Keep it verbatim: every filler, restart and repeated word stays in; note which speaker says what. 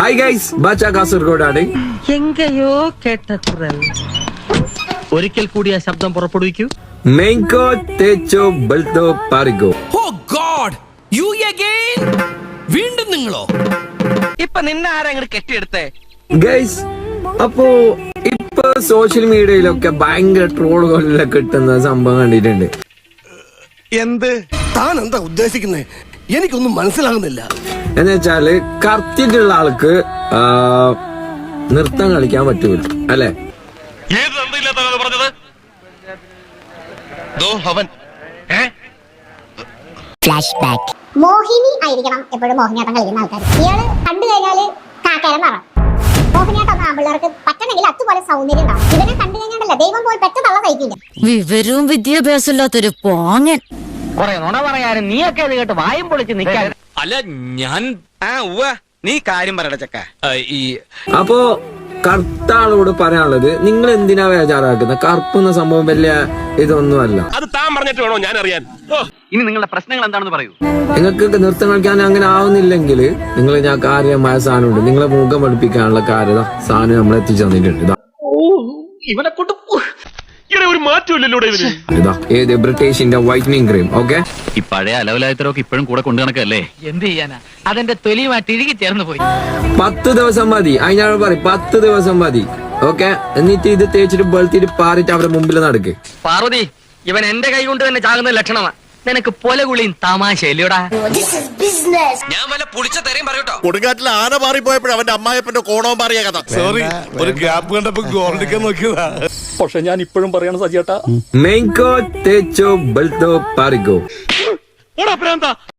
Speaker 1: Hi guys, ബാച്ച കാസർഗോഡാണ്.
Speaker 2: എങ്കയോ കേട്ട കുറൽ ഒരിക്കൽ കൂടി ആ ശബ്ദം പുറപ്പെടുവിക്കൂ.
Speaker 1: മെയിൻകോ തേച്ചോ ബൽത്തോ പാറിക്കോ.
Speaker 3: Oh god, you again? വീണ്ടും നിങ്ങളോ?
Speaker 4: ഇപ്പൊ നിന്നെ ആരെങ്കിലും കെട്ടിയെടുത്തേ?
Speaker 1: ഗൈസ്, അപ്പോ ഇപ്പൊ സോഷ്യൽ മീഡിയയിലൊക്കെ ഭയങ്കര ട്രോളുകളിലൊക്കെ കിട്ടുന്ന സംഭവം കണ്ടിട്ടുണ്ട്.
Speaker 5: എന്ത് താൻ എന്താ ഉദ്ദേശിക്കുന്നേ? എനിക്കൊന്നും മനസ്സിലാകുന്നില്ല.
Speaker 1: എന്ന് വെച്ചാല് കറക്റ്റിട്ടുള്ള ആൾക്ക് ആ, നൃത്തം കളിക്കാൻ പറ്റൂല അല്ലെ?
Speaker 6: മോഹിനി ആയിരിക്കണം എപ്പോഴും മോഹിനിയാട്ടം കളിക്കുന്ന ആൾക്കാർ. ഇയാള് കണ്ടു കഴിഞ്ഞാല് കാക്കാരൻ പറ. മോഹിനിയാട്ടം ആമ്പിള്ളേർക്ക് പറ്റണമെങ്കിൽ അതുപോലെ സൗന്ദര്യം ഉണ്ടാവും. ഇവനെ കണ്ടു കഴിഞ്ഞാലല്ല ദൈവം പോയി പെട്ടെന്നുള്ള സഹിക്കില്ല.
Speaker 7: വിവരവും വിദ്യാഭ്യാസം ഇല്ലാത്തൊരു പോങ്ങൻ.
Speaker 4: കൊറേ നുണ പറയാനും നീയൊക്കെ അത് കേട്ട് വായും പൊളിച്ച് നിൽക്കാൻ.
Speaker 3: അല്ല, ഞാൻ
Speaker 4: ആ ഉവ്വ, നീ കാര്യം പറയട ചക്ക.
Speaker 3: ഈ
Speaker 1: അപ്പോ കറുത്ത ആളോട് പറയാനുള്ളത്, നിങ്ങൾ എന്തിനാ വേചാറാക്കുന്നത്? കറുപ്പുന്ന സംഭവം വലിയ ഇതൊന്നുമല്ല.
Speaker 8: അത് താൻ പറഞ്ഞിട്ട് വേണോ ഞാൻ അറിയാൻ?
Speaker 4: ഇനി നിങ്ങളുടെ പ്രശ്നങ്ങൾ എന്താണെന്ന് പറയൂ.
Speaker 1: നിങ്ങൾക്ക് നൃത്തം കളിക്കാൻ അങ്ങനെ ആവുന്നില്ലെങ്കിൽ നിങ്ങൾ ഞാൻ കാര്യമായ സാധനമുണ്ട്, നിങ്ങളെ മുഖം പഠിപ്പിക്കാനുള്ള കാര്യത സാധനം നമ്മൾ എത്തിച്ചു തന്നിട്ടുണ്ട്. ഇതാ
Speaker 4: ഇവനെ കൊണ്ട്
Speaker 8: ഒരു മാറ്റമില്ലല്ലോ ഇവന്.
Speaker 1: ഇതാ ഏത് ബ്രിട്ടീഷിന്റെ വൈറ്റനിങ് ക്രീം. ഓക്കെ,
Speaker 9: ഈ പഴയ അലവലായത്തരൊക്കെ ഇപ്പോഴും കൂടെ കൊണ്ടു നടക്കല്ലേ?
Speaker 2: എന്ത് ചെയ്യാനാ, അതെന്റെ തൊലിയുമായിട്ട് ഇഴുകി ചേർന്ന് പോയി.
Speaker 1: പത്ത് ദിവസം മതി. അതിനോട് പറയും പത്ത് ദിവസം മതി. ഓക്കെ, എന്നിട്ട് ഇത് തേച്ചിട്ട് വെളുത്തിട്ട് പാറിട്ട് അവരുടെ മുമ്പിൽ നടക്ക്.
Speaker 2: പാർവതി, ഇവൻ എന്റെ കൈ കൊണ്ട് തന്നെ ചാകുന്ന ലക്ഷണമാ. നിനക്ക് പൊലകുളിയും തമാശയില്ലയോടാ.
Speaker 3: ഞാൻ വല്ല പുളിച്ച തെരയും പറയൂട്ടോ.
Speaker 5: കൊടുങ്കാറ്റിൽ ആന മാറിപ്പോയപ്പോഴും അവന്റെ അമ്മായപ്പന്റെ കോണവും മാറിയ കഥ. സോറി, ഒരു ഗ്യാപ്പ് കണ്ടപ്പോ ഗോൾഡിക്കാൻ നോക്കിയതാ.
Speaker 9: പക്ഷെ ഞാൻ ഇപ്പോഴും പറയണ സജിയേട്ടാ,
Speaker 1: മെയിൻകോ തേച്ചോ ബൽത്തോ പാറിക്കോ.